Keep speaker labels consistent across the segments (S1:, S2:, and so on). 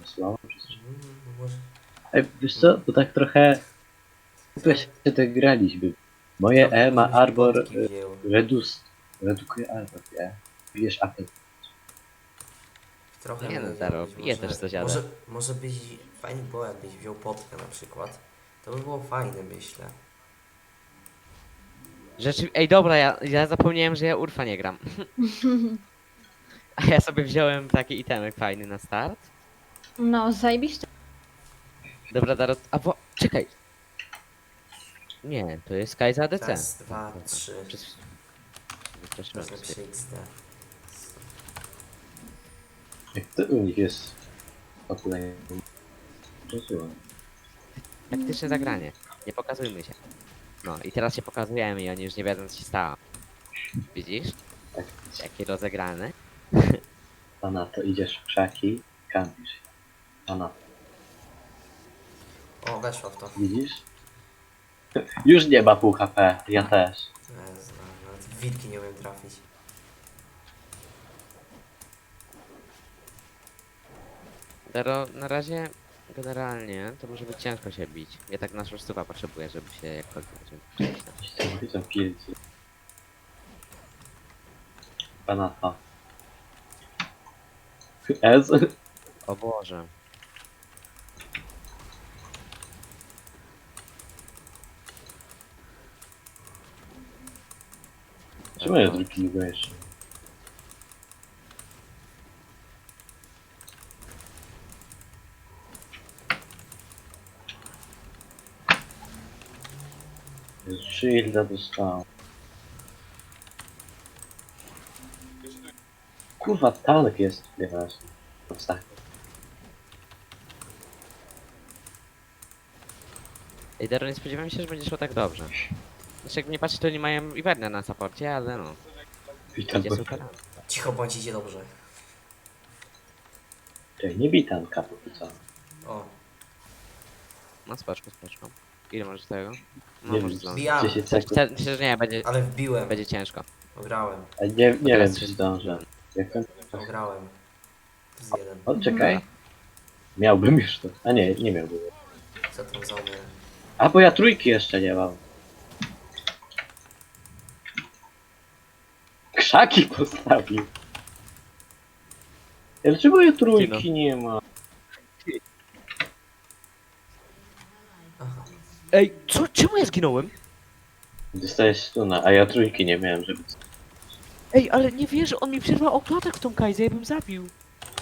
S1: słabo czy coś.
S2: Może...
S1: Ej, wiesz co, to tak trochę... Chyba się tak graliśmy. Moje
S2: Trochę
S1: E ma
S2: byśmy się
S1: arbor
S2: potki wzięło.
S1: redukuje arbor, nie? Bijesz apel.
S2: Trochę
S3: Nie no,
S2: mogę
S3: Daro,
S2: być,
S3: piję też coś, ale...
S2: może byś fajnie było, jakbyś wziął potkę na przykład. To by było fajne, myślę.
S3: Ej, dobra, ja zapomniałem, że ja Urfa nie gram. A ja sobie wziąłem taki itemek fajny na start.
S4: No, zajebiście.
S3: Dobra, Daro... Czekaj. Nie, to jest Sky za ADC.
S2: Raz, dwa, trzy.
S3: Wystraszyłem
S2: Masz
S3: się.
S2: lepsze XD.
S1: Jak to u nich jest... Opulenie. Rozumiem.
S3: Taktyczne zagranie. Nie pokazujmy się. No i teraz się pokazujemy i oni już nie wiedzą, co się stało. Widzisz?
S1: Tak,
S3: Jakie rozegrane.
S1: a na to idziesz w krzaki, kampisz się. A na to,
S2: O, weszła w to.
S1: widzisz? Już nie ma pół HP, ja też.
S2: Jezu, nawet w wilki nie umiem trafić.
S3: Daro, na razie generalnie to może być ciężko się bić. Ja tak naszą stuwa potrzebuję, żeby się jakkolwiek przejść.
S1: Widzę pilcy. A na to. Ez?
S3: O Boże.
S1: Czemu ja drugiego jeszcze? Shielda dostałem. Kurwa, tank jest nieważny. Tak.
S3: Ej, Daro, nie spodziewałem się, że będzie szło tak dobrze. Znaczy, jak nie patrzeć, to nie mają Iwernia na saporcie, ale no.
S1: Witam,
S3: Idzie super.
S2: Cicho bądź, idzie dobrze.
S1: nie bij tanka póki co.
S2: O,
S3: No spoczko, spoczko. Ile możesz tego? No
S1: Nie
S3: może
S1: wiem,
S3: zdążyć.
S2: Bijam.
S1: 10 sekund.
S3: Myślę, że nie, będzie,
S2: ale wbiłem.
S3: będzie ciężko.
S2: Ograłem.
S1: A nie wiem,
S3: teraz
S1: czy
S3: się-
S1: zdążę. Jak ten...
S2: Ograłem. Z jeden.
S1: O, czekaj. Miałbym już to. A nie, nie miałbym.
S2: Co tam za mnie?
S1: A, bo ja trójki jeszcze nie mam. Krzaki postawił. Ja dlaczego ja trójki nie ma?
S2: Aha.
S3: Ej, czemu ja zginąłem?
S1: Dostajesz stuna, a ja trójki nie miałem, żeby...
S3: Ej, ale nie wierzę, on mi przerwał autoatak w tą Kajzę, ja bym zabił.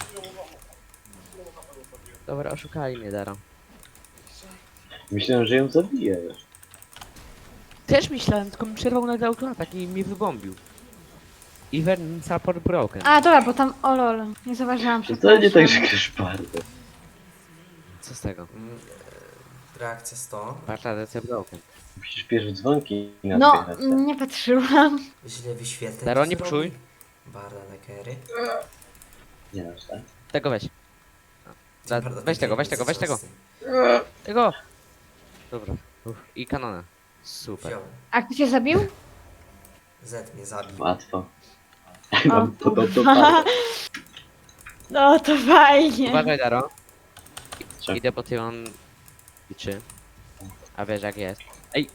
S3: Dobra, oszukali mnie, Daro.
S1: Myślałem, że ją zabiję już.
S3: Też myślałem, tylko mi przerwał na autoatak i mnie wybombił. Even support broken.
S4: A, dobra, bo tam... O lol, nie zauważyłam,
S1: To nie tak,
S4: przepraszam.
S1: że grasz bardzo.
S3: Co z tego?
S2: Reakcja 100.
S3: Parta DC broken.
S1: Musisz pierwsze dzwonki na
S4: No,
S1: dwie
S4: nie patrzyłam.
S2: Źle wyświetleń.
S3: Daro,
S2: to
S3: nie
S2: zrobi.
S3: psuj.
S2: Barda Nekery.
S1: Nie masz, tak?
S3: Tego weź.
S2: Barda
S3: Weź tego, weź
S2: Nekery
S3: tego, weź tego.
S2: zazdrosny.
S3: Tego! Dobra. I kanona. Super.
S2: Wziął.
S4: A kto cię zabił?
S2: Z mnie zabił.
S1: Łatwo.
S4: O,
S1: Mam podobną
S4: kurwa.
S1: parę.
S4: No to fajnie.
S3: Uważaj, Daro.
S1: Co?
S3: Idę po ty on liczy. A wiesz jak jest. Ej,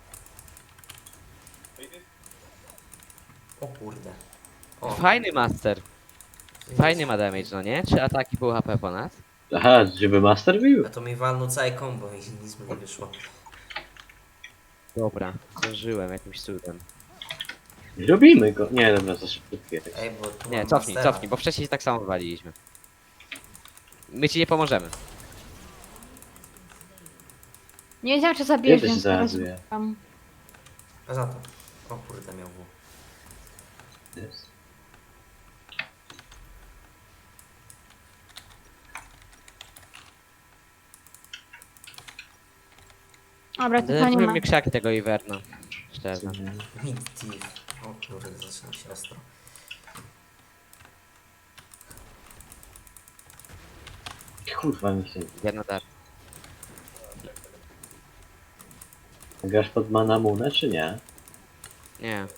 S2: O kurde. O,
S3: fajny master. Fajny ma damage, no nie? 3 ataki pół HP ponad.
S1: Aha, żeby master bił?
S2: A to mi walnął całe combo i nic mu nie wyszło.
S3: Dobra, zdążyłem jakimś cudem.
S1: Robimy go. Nie, dobra, za szybko jest.
S2: Ej, bo tu
S3: Nie,
S2: mam
S3: cofnij,
S2: mastera.
S3: cofnij, bo wcześniej tak samo wywaliliśmy. My ci nie pomożemy.
S4: Nie wiedziałam, czy zabijesz,
S1: Ja też
S4: więc teraz
S1: załaduję.
S4: szukam.
S2: A za to. O kurde, miał w.
S1: Jest.
S4: Dobra, to nie
S3: Denerwują
S4: ma.
S3: mnie krzaki tego Iverna. Szczerze.
S2: Mid Thief. O kurde, zaczyna się ostro.
S1: Kurwa mi się.
S3: Jedna dar.
S1: Grasz pod Manamunę, czy nie?
S3: Nie.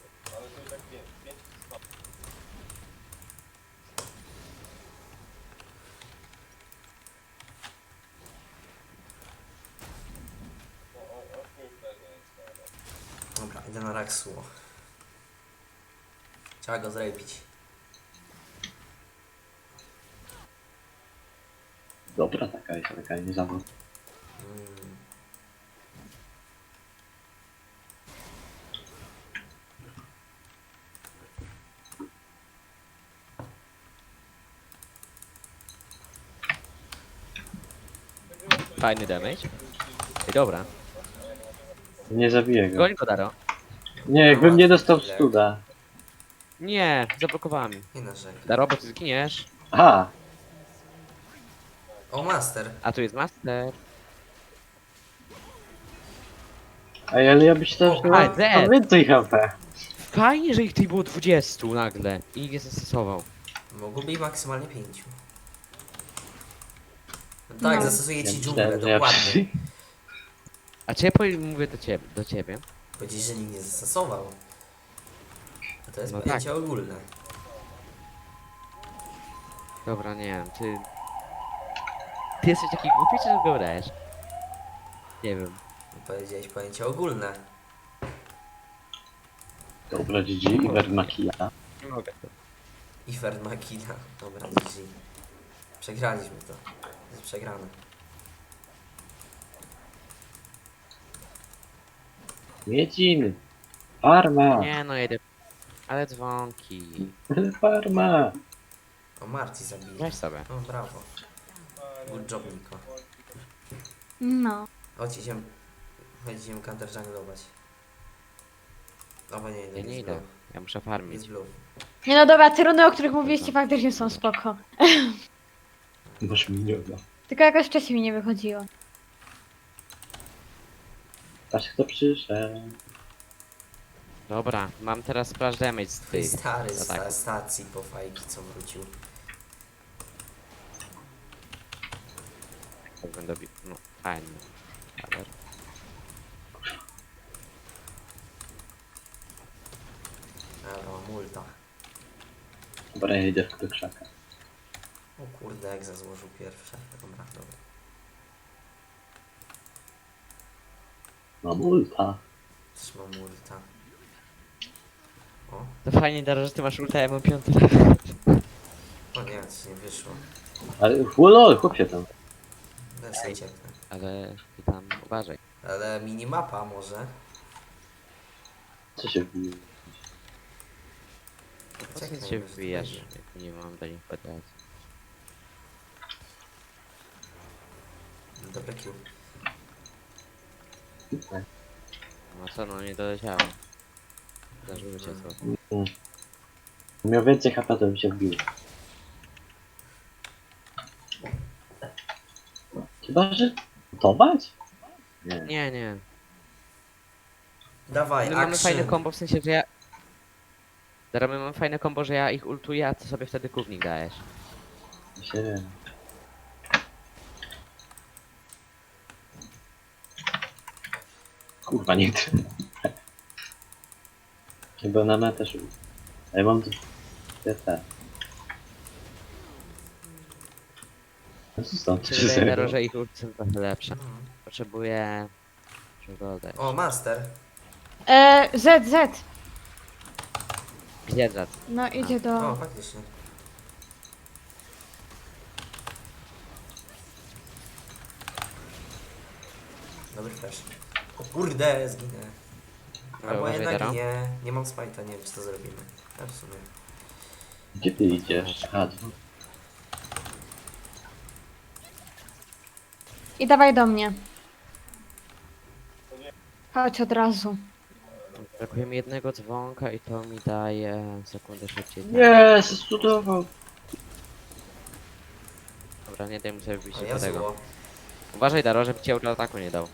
S2: Idę na Raksuo. Trzeba go zrepić.
S1: Dobra, taka nie zawód.
S2: Mm.
S3: Fajny damage. I dobra.
S1: Nie zabiję go.
S3: Goń go, Daro.
S1: Nie, jakbym nie dostał studa.
S3: Nie, zablokowałem.
S2: Nie narzekaj.
S3: Daro, bo ty zginiesz.
S1: Aha!
S2: O, master.
S3: A tu jest master.
S1: Ej, ale ja myślałem, że
S3: A,
S1: mam
S3: dead.
S1: więcej HP.
S3: Fajnie, że ich tutaj było 20 nagle. I nikt nie zastosował.
S2: Mogłoby ich maksymalnie 5. Tak,
S4: No.
S2: zastosuję
S1: Ja
S2: ci
S1: myślałem,
S2: dżunglę,
S1: że ja
S2: dokładnie.
S3: A czy ja mówię do ciebie?
S2: Powiedzieć, że nikt nie zastosował. A to jest
S3: No
S2: pojęcie ogólne.
S3: Dobra, nie wiem, ty jesteś taki głupi, czy go dajesz? Nie wiem.
S2: Powiedziałeś pojęcie ogólne.
S1: Dobra, GG, Iwer Makija.
S3: Nie mogę.
S2: Ifern Makina. Dobra, GG. Przegraliśmy to. Jest przegrane.
S1: Miedziny. Farma.
S3: Nie no, jedę. Ale dzwonki.
S1: Farma.
S2: O, Marci zabije.
S3: Weź sobie.
S2: O, brawo. Good job, Niko.
S4: No.
S2: Chodź, idziemy counter junglować. Albo nie,
S3: Ja nie idę. Ja muszę farmić.
S2: Jest blue.
S4: Nie no dobra, te runy, o których mówiliście, faktycznie są spoko.
S1: Masz miniona.
S4: Tylko jakoś wcześniej mi nie wychodziło.
S1: Patrz kto przyszedł.
S3: Dobra, mam teraz splash damage z
S2: Twój
S3: tych
S2: stary z
S3: ataków.
S2: stacji po fajki, co wrócił.
S3: Tak będę bił. No, fajnie. Ale...
S2: Dobra, mam ulta.
S1: Dobra, ja idę do krzaka.
S2: O kurde, jak złożył pierwsze. Dobra, dobra.
S1: Mam ulta.
S2: Też mam ulta. O,
S3: To fajnie, Daro, że ty masz ulta, ja mam 5.
S2: o nie, coś nie wyszło.
S1: Ale lol, chłopie tam.
S2: Bez ucieknę.
S3: Ale ty tam uważaj.
S2: Ale minimapa może.
S1: Co się wbije?
S3: Po co
S2: Czekaj,
S3: ty się
S2: może to
S3: wbijasz,
S2: będzie.
S3: jak nie mam do nich podać.
S2: Dobre Q.
S3: No co, no nie doleciało. Zdarzyło się co.
S1: Miał więcej HP, to bym się wbił. Chyba, że... Gotować? Nie.
S3: Nie, nie.
S2: Dawaj,
S3: My mamy fajne
S2: action.
S3: kombo, w sensie, że ja... Teraz my mamy fajne kombo, że ja ich ultuję, a ty sobie wtedy kównik dajesz.
S1: Się wiem. Kurwa, nie chcę. Chyba na metę szło. A ja mam tu... te. No co stąd?
S3: Czy wydaje Daro, że ich ulty są trochę lepsze.
S2: No.
S3: Potrzebuję... Czego dać?
S2: O, master.
S4: Z.
S3: Gdzie zad?
S4: No idzie
S2: O,
S4: do...
S2: faktycznie. Dobry flash. O kurde, zginę. Albo
S3: uważaj,
S2: jednak
S3: Daro.
S2: nie mam spajta, nie wiem czy to zrobimy. A w sumie.
S1: Gdzie ty idziesz? Aha, tu.
S4: I dawaj do mnie. Chodź od razu.
S3: Brakuje mi jednego dzwonka i to mi daje sekundę szybciej.
S1: Nie, studował.
S3: Dobra, nie daj mu sobie wbić
S2: O,
S3: do
S2: ja
S3: tego.
S2: zło.
S3: Uważaj, Daro, żeby ci ataku nie dał.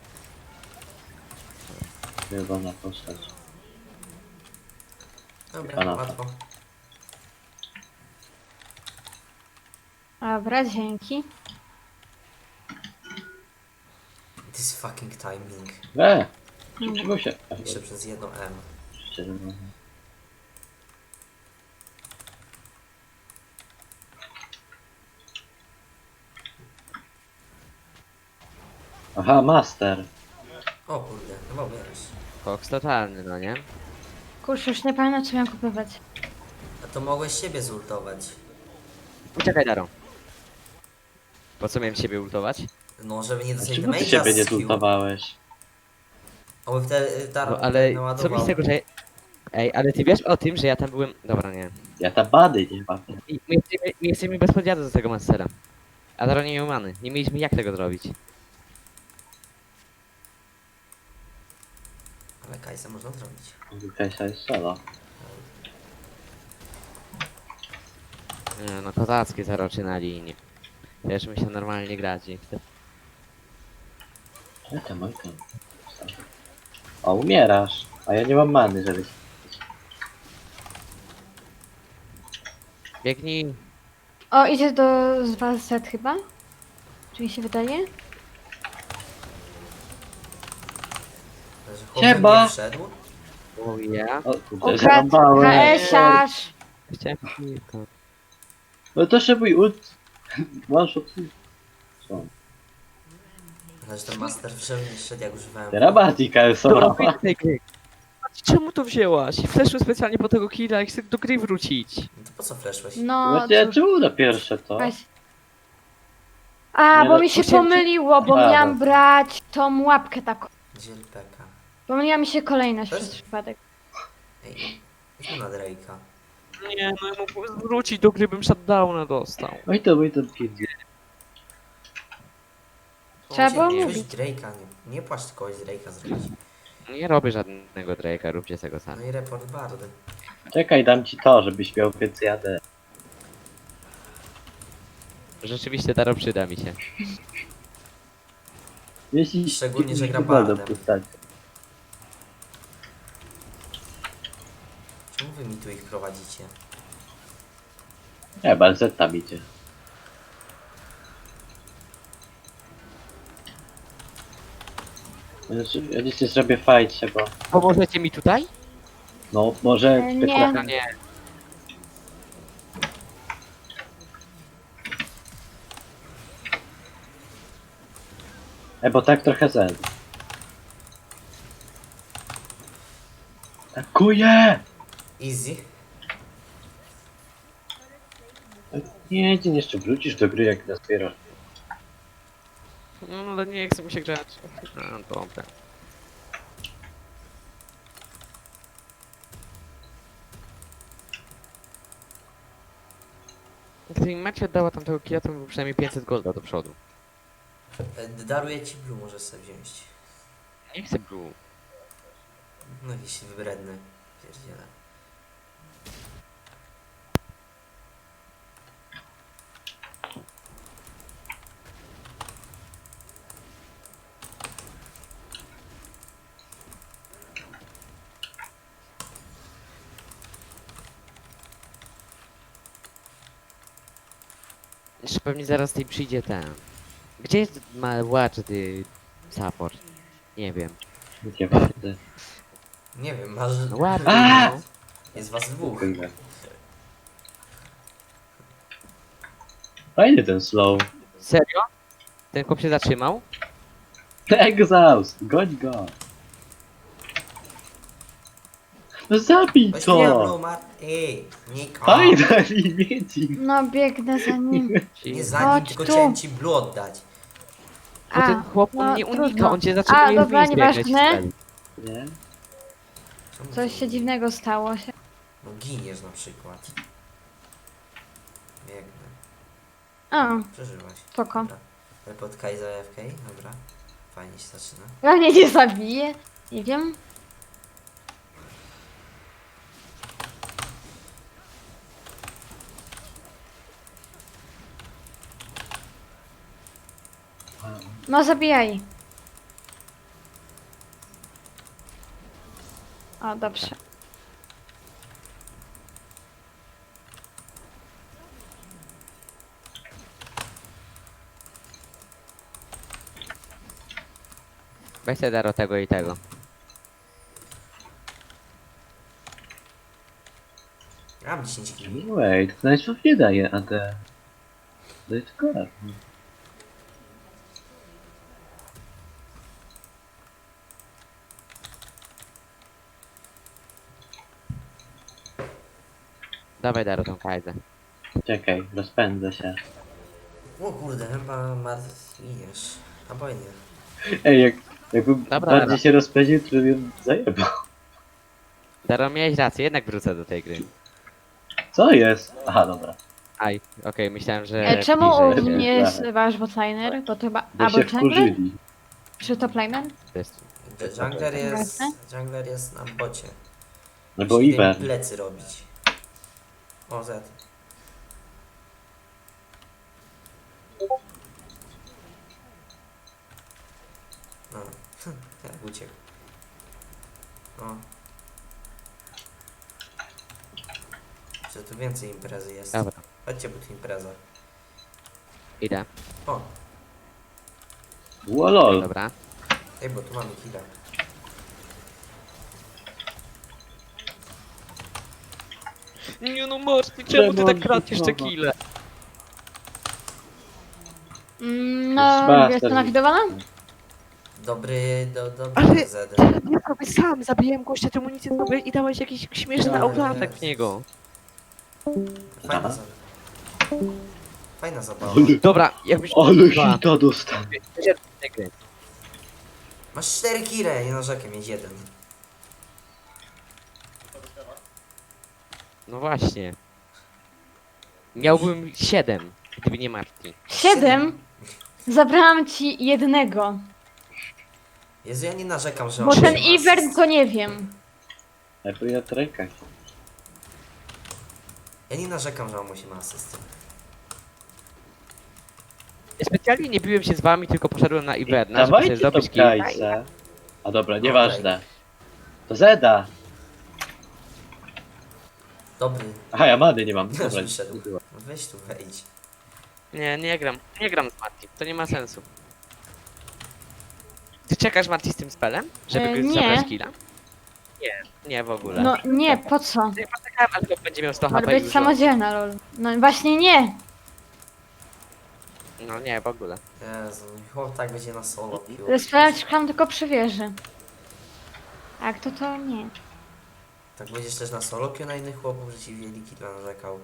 S1: Chyba na postać.
S2: Dobra,
S1: Kanapa.
S2: łatwo.
S4: Dobra, dzięki.
S2: This fucking timing.
S1: Przyczyło się.
S2: Jeszcze przez jedno M.
S1: Aha, master.
S2: O kurde, no bo wiesz.
S3: Koks totalny, no nie?
S4: Kurczę, już nie pamiętam co miałem kupować.
S2: A to mogłeś siebie zultować.
S3: Uciekaj, Daro. Po co miałem ciebie ultować?
S2: No, żeby nie
S1: A
S2: dostać
S1: czemu ty
S2: damage'a
S1: siebie nie
S2: z Q.
S1: zultowałeś?
S2: Oby wtedy
S3: No
S2: Taro
S3: ale co
S2: naładował.
S3: mi z tego, że... Ej, ale ty wiesz o tym, że ja tam byłem... Dobra, nie.
S1: Ja ta bady nie mam.
S3: I my jesteśmy bez podjazdu do tego Mastera. A Daro nie miał many. Nie mieliśmy jak tego zrobić.
S2: Ale Kajsa można zrobić.
S1: Kasia jest solo.
S3: Nie, no kozackie zaroczy na linii. Wiesz, mi się normalnie grać nie chce.
S1: Oj tam. O, umierasz. A ja nie mam many, żeby...
S3: Biegnij.
S4: O, idzie z was set chyba? Czy mi się wydaje?
S2: Że chłop
S1: Siema.
S2: nie wszedł.
S3: O ja.
S1: O, kurde,
S4: Ukradł
S1: zarąbałem.
S4: HS-arz!
S3: Chciałem kilka.
S1: No to się mój ult... Masz od... Co?
S2: Ale że ten master wszedł jak używałem.
S1: Terabatika jest
S3: Dobra,
S1: solo.
S3: wyjdź z tej gry. Czemu to wzięłaś? Fleszu specjalnie po tego killa i chcę do gry wrócić.
S2: No to po co fleszłeś?
S4: No,
S1: Właśnie,
S4: cóż,
S1: czemu na pierwsze to?
S4: weź. A,
S1: Nie,
S4: bo
S1: no,
S4: mi się
S3: musiałem cię-
S4: pomyliło, bo
S1: A,
S4: miałam
S1: no.
S4: brać tą łapkę taką.
S2: Gdzie LPK?
S4: Pomyliła mi się kolejność
S2: Też?
S4: przez przypadek.
S2: Ej, idźmy na Drake'a.
S3: Nie, no ja mógłbym wrócić do gry, bym shutdowna dostał.
S1: Oj to pierdzie.
S4: Trzeba było
S2: Coś
S4: mówić.
S2: Drake'a, nie płacz kogoś z Drake'a zrobić.
S3: Nie robię żadnego Drake'a, róbcie z tego
S2: No
S3: sami.
S2: i report bardy.
S1: Czekaj, dam ci to, żebyś miał więcej AD.
S3: Rzeczywiście Daro przyda mi się.
S1: Jeśli
S2: Szczególnie, że gra
S1: wolno
S2: bardem.
S1: postać.
S2: Czemu wy mi tu ich prowadzicie?
S1: Nie, Balzet tam idzie. Znaczy, ja dzisiaj zrobię fajcie, bo...
S3: Pomożecie mi tutaj?
S1: No, może...
S4: Nie.
S3: No nie.
S1: Bo tak trochę zen. Atakuję!
S2: Easy.
S1: Nie, ty jeszcze wrócisz do gry, jak nazbierasz.
S3: No ale nie chce mi się grać. No dobra. Gdyby mi Macie oddała tamtego kija, to by było przynajmniej 500 golda do przodu.
S2: Daruję ci blue, możesz sobie wziąć.
S3: Nie chcę blue.
S2: No jakiś wybredny. Pierdziele.
S3: Jeszcze pewnie zaraz tej przyjdzie ten. Gdzie jest Watchy support? Nie wiem.
S1: Nie ważne.
S2: Nie wiem, masz...
S3: No ładnie,
S1: A!
S3: no.
S2: Jest was dwóch.
S1: Kurde. Fajny ten slow.
S3: Serio? Ten chłop się zatrzymał?
S1: Exhaust! Goń go! No zabij
S2: Weź mnie
S1: to!
S2: blue, Mar... Ej, Niko.
S1: Finally, mieci!
S4: No, biegnę za nim.
S2: Nie za nim,
S4: Chodź
S2: tylko
S4: tu.
S2: chciałem ci blue oddać.
S3: Bo ten
S4: A,
S3: chłop on
S4: no,
S3: nie unika,
S4: trudno.
S3: on cię zatrzymuje w
S4: dobra,
S3: miejscu, jak leci
S4: nieważne.
S3: strzeli.
S1: Nie?
S2: Czemu
S4: Coś
S2: ty-
S4: się dziwnego stało się.
S2: No giniesz na przykład. Biegnę.
S4: A,
S2: Przeżyłaś.
S4: spoko.
S2: Dobra. Report Kaiza AFK, dobra. Fajnie się zaczyna.
S4: Ja mnie nie zabije. Nie wiem. No, zabijaj. O, dobrze.
S3: Weź te Daro tego i tego.
S2: Ja mam 10 kili.
S1: Wait, to najpierw nie daje AD. To jest klar.
S3: Dawaj Daro tą kajdę.
S1: Czekaj, rozpędzę się.
S2: O kurde, chyba martwiesz. Albo i nie.
S1: Ej, jakbym
S3: Dobra,
S1: bardziej
S3: dobra.
S1: się rozpędził, to bym zajebał.
S3: Daro, miałeś rację, jednak wrócę do tej gry.
S1: Co jest? Aha, dobra.
S3: Aj, okej, myślałem, że...
S4: Czemu u
S3: bliżej się-
S4: mnie jest wasz botliner? Bo to chyba...
S1: Bo
S4: Albo
S1: się
S4: jungler?
S1: wkurzyli.
S4: Czy top laner?
S3: To jest...
S2: Jungler jest na bocie.
S1: No bo
S2: Musi
S1: Iwer.
S2: plecy robić. O, Z. No, jak uciekł. O. Że tu więcej imprezy jest.
S3: Dobra,
S2: Chodźcie, bo tu impreza.
S3: idę.
S2: O,
S1: Łolol.
S3: Dobra.
S2: ej, bo tu mamy killa.
S3: Nie no Morty,
S1: czemu ty tak kradniesz te
S3: kile?
S4: No,
S1: Zbasta,
S4: jest to
S1: że-
S4: nawidowana?
S2: Dobry
S3: Ale-
S2: Z.
S3: Ja sobie sam zabiłem gościa, temu nic nie zrobię i dałeś jakiś śmieszny
S2: Ale-
S3: autoatak w niego.
S2: Fajna
S1: Aha.
S2: zabawa. Fajna zabawa.
S3: Dobra, jakbyś...
S1: Ale
S3: Dwa.
S1: hita dostał.
S2: Masz 4 kile, nie narzekaj, mieć jeden.
S3: No właśnie. Miałbym 7, gdyby nie Marty.
S4: 7? Zabrałam ci jednego.
S2: Jezu, ja nie narzekam, że
S4: Bo
S2: on
S4: ten
S2: ma
S4: Ivern
S2: asyst.
S4: to nie wiem.
S1: Jakby ja trekać.
S2: Ja nie narzekam, że on musi ma asystę.
S3: Ja specjalnie nie biłem się z wami, tylko poszedłem na Iverna, żeby sobie
S1: Dawajcie to
S3: zdobyć kilka.
S1: kajce. A dobra, nieważne. To Zeda.
S2: Dobry.
S1: Aha, ja many nie mam.
S2: Już
S1: Dobra.
S2: wyszedł. No weź tu, wejdź.
S3: Nie gram z Marty, to nie ma sensu. Ty czekasz Marty z tym spelem? Żeby
S4: Nie.
S3: zabrać killa? Nie w ogóle.
S4: No nie, po co?
S3: Ja poczekałem, aż go będzie miał 100
S4: Może
S3: HP i
S4: być
S3: już
S4: samodzielna, lol. No właśnie nie.
S3: No nie, w ogóle.
S2: Jezu, chłop tak będzie na solo pił.
S4: Sprawdzam tylko przy wieży. A jak to nie.
S2: Tak będziesz też na solo pił na innych chłopów, że ci wieli killa narzekał.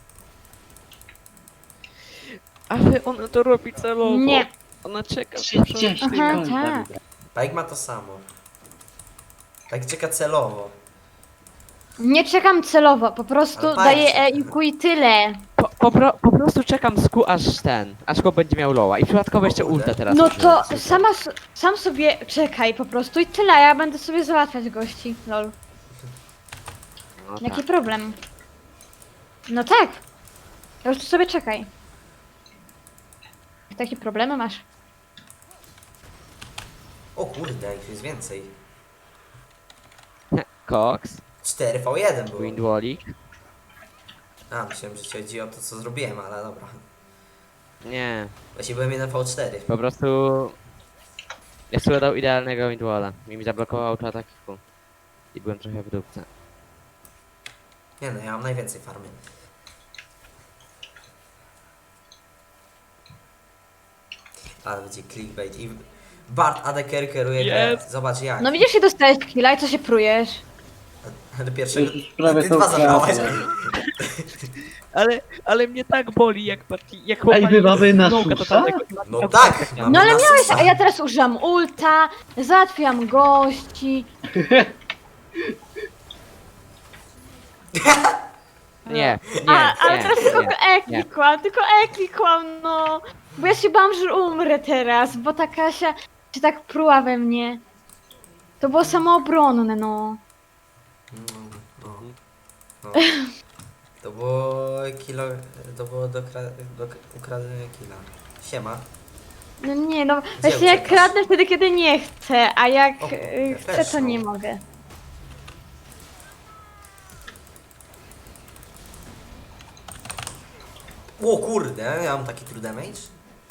S3: Ale ona to robi celowo.
S4: Nie.
S3: Ona czeka.
S1: 30
S4: Aha,
S1: gold,
S4: tak.
S1: dobra.
S2: Pike ma to samo. Pike czeka celowo.
S4: Nie czekam celowo, po prostu
S2: Ale
S4: daję
S2: fajnie.
S4: EQ i tyle.
S3: Po prostu czekam z Q aż go będzie miał loła i przypadkowo jeszcze ulta teraz.
S4: No
S3: użyję.
S4: to sam sobie czekaj po prostu i tyle, ja będę sobie załatwiać gości, lol.
S3: No
S4: Jaki
S3: tak.
S4: problem? No tak. Ja już tu sobie czekaj. Takie problemy masz?
S2: O kurde, ich jest więcej.
S3: Cox,
S2: 4v1 było.
S3: Windwallik.
S2: A, myślałem, że ci chodzi o to, co zrobiłem, ale dobra.
S3: Nie,
S2: Właśnie byłem 1v4.
S3: po prostu... Ja sobie dał idealnego Windwalla. Mi zablokował autoataki Q. I byłem trochę w dupce.
S2: Nie no, ja mam najwięcej farmy. Ale będzie clickbait i... Bart ADK kieruje grę.
S3: Jest.
S2: Zobacz jak.
S4: No widzisz, i dostałeś killa i co się prujesz?
S2: Do pierwszego...
S1: Już prawie
S2: Ty
S1: tą
S2: dwa zabrałaś.
S1: kratę.
S3: Ale mnie tak boli, jak
S1: Ej, my mamy na
S3: Smoka
S1: susza?
S3: totalnego i
S2: No
S3: ma-
S2: tak!
S3: nie.
S2: mamy
S4: No ale
S2: na
S4: miałeś,
S2: susa.
S4: a ja teraz użyłam ulta, załatwiam gości.
S3: Nie,
S4: Ale
S3: nie,
S4: teraz tylko
S3: nie.
S4: E klikłam, no. Bo ja się bałam, że umrę teraz, bo ta Kasia się tak pruła we mnie. To było samoobronne, no.
S2: No. To było kilo... To było do ukradenie killa. Siema.
S4: No nie, no
S2: Gdzie
S4: właśnie jak
S2: uciekasz?
S4: kradnę wtedy, kiedy nie chcę, a jak
S2: O,
S4: chcę,
S2: też,
S4: to
S2: no.
S4: nie mogę.
S2: O kurde, ja mam taki true damage.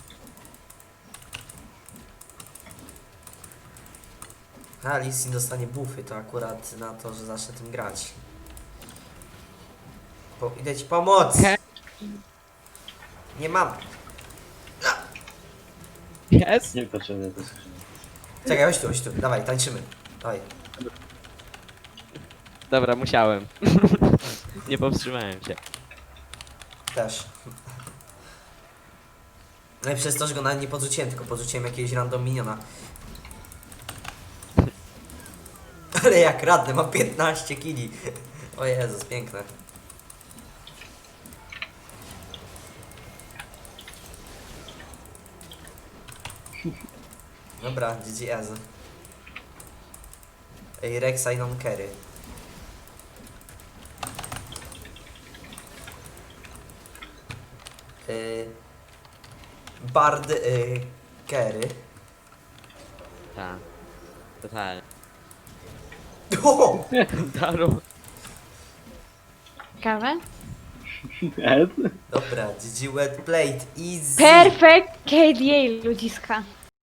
S2: A, Lee Sin dostanie buffy, to akurat na to, że zacznę tym grać. Idę ci pomóc!
S3: He?
S2: Nie mam.
S3: Jest?
S1: Nie potrzebuję to skrzyni.
S2: Czekaj, chodź tu, dawaj, tańczymy. Dawaj.
S3: Dobra, musiałem. Nie powstrzymałem się.
S2: Też. No i przez to, że go nawet nie podrzuciłem, tylko podrzuciłem jakiegoś random miniona. Ale jak radny, mam 15 kili. O Jezus, piękne. Dobra, GGS. Ej, Rexa i non carry. Bard carry.
S3: Tak. Totalnie.
S2: O!
S3: Daru.
S4: Kawę?
S1: Ed?
S2: Dobra, GG wet plate, easy.
S4: Perfect KDA, ludziska.